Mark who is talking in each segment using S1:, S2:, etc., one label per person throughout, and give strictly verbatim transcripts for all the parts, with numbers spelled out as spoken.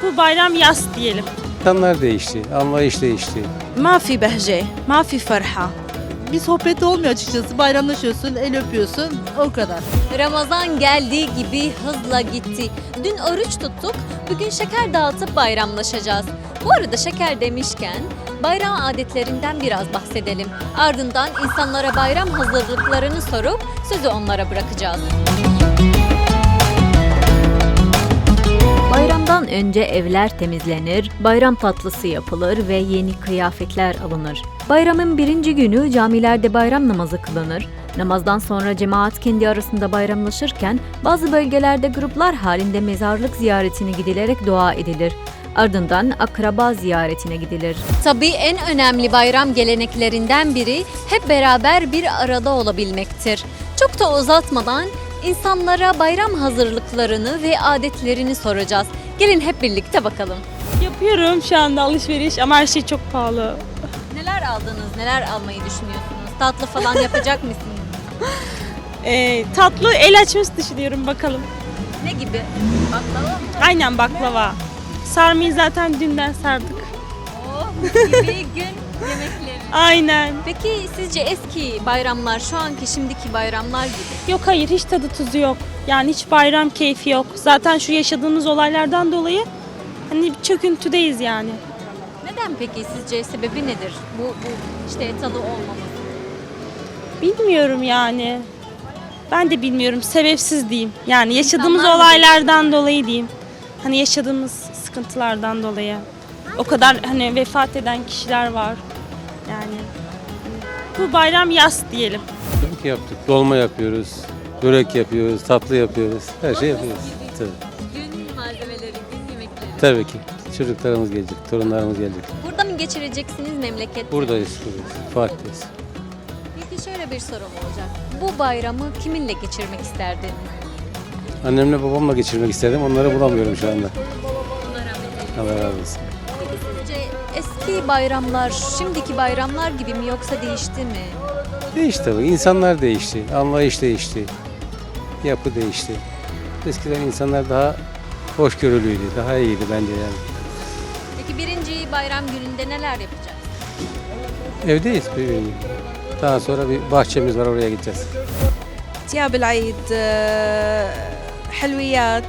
S1: Bu bayram yas diyelim.
S2: İnsanlar değişti, anlayış değişti.
S3: ما في بهجة ما في فرحة.
S4: Bir sohbet olmuyor açıkçası. Bayramlaşıyorsun, el öpüyorsun, o kadar.
S5: Ramazan geldiği gibi hızla gitti. Dün oruç tuttuk, bugün şeker dağıtıp bayramlaşacağız. Bu arada şeker demişken bayram adetlerinden biraz bahsedelim. Ardından insanlara bayram hazırlıklarını sorup sözü onlara bırakacağız. Bayramdan önce evler temizlenir, bayram tatlısı yapılır ve yeni kıyafetler alınır. Bayramın birinci günü camilerde bayram namazı kılınır. Namazdan sonra cemaat kendi arasında bayramlaşırken bazı bölgelerde gruplar halinde mezarlık ziyaretine gidilerek dua edilir. Ardından akraba ziyaretine gidilir. Tabii en önemli bayram geleneklerinden biri hep beraber bir arada olabilmektir. Çok da uzatmadan insanlara bayram hazırlıklarını ve adetlerini soracağız. Gelin hep birlikte bakalım.
S1: Yapıyorum şu anda alışveriş ama her şey çok pahalı.
S5: Neler aldınız, neler almayı düşünüyorsunuz? Tatlı falan yapacak mısınız?
S1: Ee, tatlı el açması düşünüyorum bakalım.
S5: Ne gibi? Baklava mı?
S1: Aynen baklava. Sarmayı zaten dünden sardık.
S5: Oh, mis gibi gün yemekleri.
S1: Aynen.
S5: Peki sizce eski bayramlar şu anki şimdiki bayramlar gibi?
S1: Yok hayır hiç tadı tuzu yok. Yani hiç bayram keyfi yok. Zaten şu yaşadığımız olaylardan dolayı hani çöküntüdeyiz yani.
S5: Neden peki sizce sebebi nedir? Bu, bu işte tadı olmaması.
S1: Bilmiyorum yani. Ben de bilmiyorum. Sebepsiz diyeyim. Yani yaşadığımız
S5: İnsanlar mı
S1: olaylardan dolayı diyeyim. Hani yaşadığımız sıkıntılardan dolayı. O kadar hani vefat eden kişiler var. Yani bu bayram yas diyelim.
S2: Tabii ki yaptık. Dolma yapıyoruz, börek yapıyoruz, tatlı yapıyoruz. Her şey yapıyoruz. Tabii,
S5: Gün malzemeleri, gün yemekleri.
S2: tabii ki. Çocuklarımız gelecek, torunlarımız gelecek.
S5: Burada mı geçireceksiniz memleket?
S2: Buradayız, buradayız. Fatih'teyiz.
S5: Peki şöyle bir sorum olacak. Bu bayramı kiminle geçirmek isterdiniz?
S2: Annemle babamla geçirmek istedim. Onları bulamıyorum şu anda.
S5: Bunlara mı?
S2: Allah razı olsun.
S5: Peki sizce eski bayramlar şimdiki bayramlar gibi mi yoksa değişti mi?
S2: Değişti tabii. İnsanlar değişti, anlayış değişti. Yapı değişti. Eskiden insanlar daha hoşgörülüydü, daha iyiydi bence yani.
S5: Peki birinci bayram gününde neler yapacağız?
S2: Evdeyiz. Bir, daha sonra bir bahçemiz var, oraya gideceğiz.
S3: تياب العيد آه، حلويات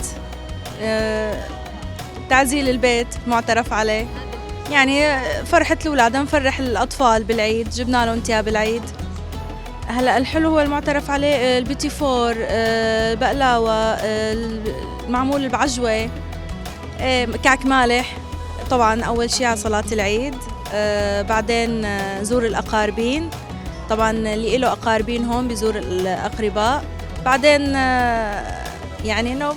S3: آه، تعزيل البيت معترف عليه يعني فرحة الأولاد نفرح الأطفال بالعيد جبنا لهم تياب العيد هلا الحلو هو المعترف عليه آه، البيتي فور آه، البقلاوة آه، المعمول بعجوة آه، كعك مالح طبعا أول شيء على صلاة العيد آه، بعدين آه، زور الأقاربين طبعا اللي له أقاربين هون بزور الأقرباء بعدين آه، يعني إنه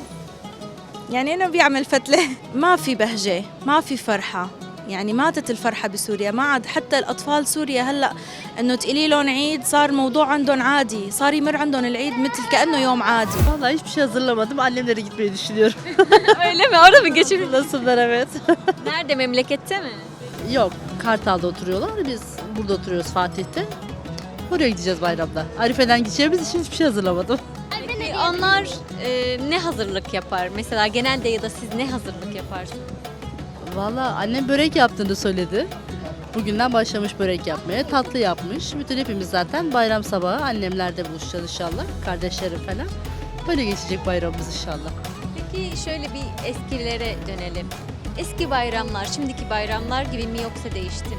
S3: يعني إنه بيعمل فتلة ما في بهجة ما في فرحة يعني ماتت الفرحة بسوريا ما عاد حتى الأطفال سوريا هلأ إنه تقولي لهم عيد صار موضوع عندهم عادي صار يمر عندهم العيد مثل كأنه يوم عادي
S4: Vallahi hiçbir şey hazırlamadım. Annemlere gitmeyi düşünüyorum.
S5: Öyle mi? Orada mı geçirdiniz?
S4: Nasıllar, evet.
S5: Nerede? Memlekette mi?
S4: Yok, Kartal'da oturuyorlar. Biz burada oturuyoruz, Fatih'te. Oraya gideceğiz bayramda. Arife'den gideceğimiz için hiçbir şey hazırlamadım.
S5: Peki onlar e, ne hazırlık yapar? Mesela genelde ya da siz ne hazırlık yaparsınız?
S4: Vallahi annem börek yaptığını söyledi. Bugünden başlamış börek yapmaya, tatlı yapmış. Bütün hepimiz zaten bayram sabahı annemlerde buluşacağız inşallah. Kardeşlerim falan. Böyle geçecek bayramımız inşallah.
S5: Peki şöyle bir eskilere dönelim. Eski bayramlar şimdiki bayramlar gibi mi yoksa değişti mi?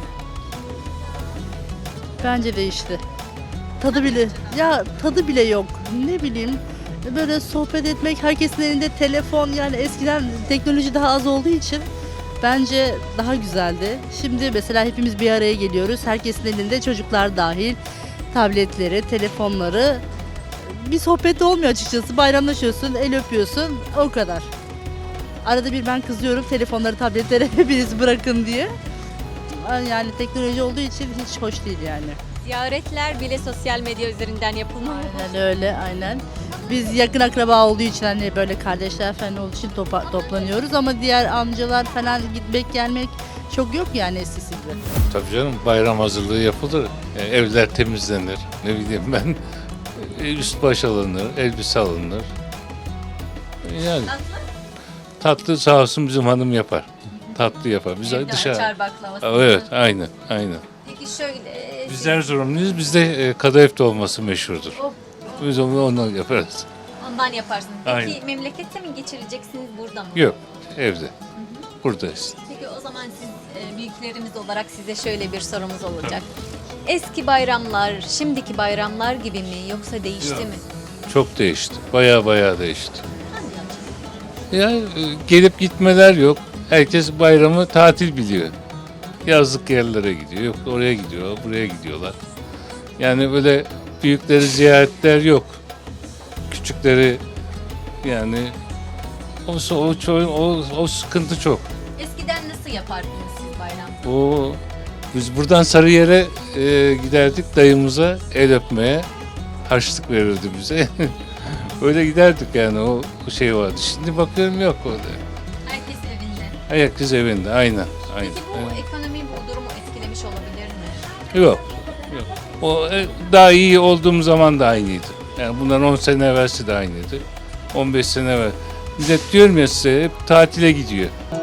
S4: Bence değişti. Tadı bile, ya tadı bile yok. Ne bileyim, böyle sohbet etmek, herkesin elinde telefon, yani eskiden teknoloji daha az olduğu için bence daha güzeldi. Şimdi mesela hepimiz bir araya geliyoruz. Herkesin elinde, çocuklar dahil, tabletleri, telefonları. Bir sohbet olmuyor açıkçası. Bayramlaşıyorsun, el öpüyorsun, o kadar. Arada bir ben kızıyorum telefonları, tabletleri hepiniz bırakın diye. Yani teknoloji olduğu için hiç hoş değil yani.
S5: Ziyaretler bile sosyal medya üzerinden yapılmalı.
S4: Aynen öyle, aynen. Biz yakın akraba olduğu için, hani böyle kardeşler falan olduğu için topa- toplanıyoruz ama diğer amcalar falan gitmek gelmek çok yok yani eskisi gibi.
S6: Tabii canım, bayram hazırlığı yapılır. E, evler temizlenir. Ne bileyim ben, e, üst baş alınır, elbise alınır. Yani tatlı sağ olsun bizim hanım yapar. Tatlı yapar. Biz
S5: Evde
S6: dışarı.
S5: açar baklavası.
S6: Evet, aynen, aynen.
S5: Peki şöyle.
S6: Biz Erzurumluyuz. Bizde e, kadayıf dolması meşhurdur.
S5: Oh,
S6: Biz onu ondan yaparız.
S5: ondan yaparsınız. Peki
S6: Aynen.
S5: memlekette mi geçireceksiniz burada mı?
S6: Yok, evde. Buradayız.
S5: Peki o zaman siz e, büyüklerimiz olarak size şöyle bir sorumuz olacak. Eski bayramlar, şimdiki bayramlar gibi mi yoksa değişti
S6: Yok.
S5: mi?
S6: Çok değişti. Baya baya değişti.
S5: Nasıl yani?
S6: Ya e, gelip gitmeler yok. Herkes bayramı tatil biliyor. Yazlık yerlere gidiyor. Yok oraya gidiyor, buraya gidiyorlar. Yani böyle büyükleri ziyaretler yok. Küçükleri yani o o ço- o, o sıkıntı çok.
S5: Eskiden nasıl yapardınız siz bayram?
S6: O biz buradan Sarıyer'e e, giderdik dayımıza el öpmeye. Harçlık verirdi bize. Öyle giderdik yani o, o şey vardı. Şimdi bakıyorum yok orada.
S5: Herkes evinde.
S6: Herkes evinde aynen. aynen.
S5: Peki bu ekonomi bu durumu etkilemiş olabilir mi?
S6: Yok. Yok. O e, daha iyi olduğum zaman da aynıydı. Yani bundan on sene evvelsi de aynıydı. on beş sene evvel. Millet diyorum ya size hep tatile gidiyor.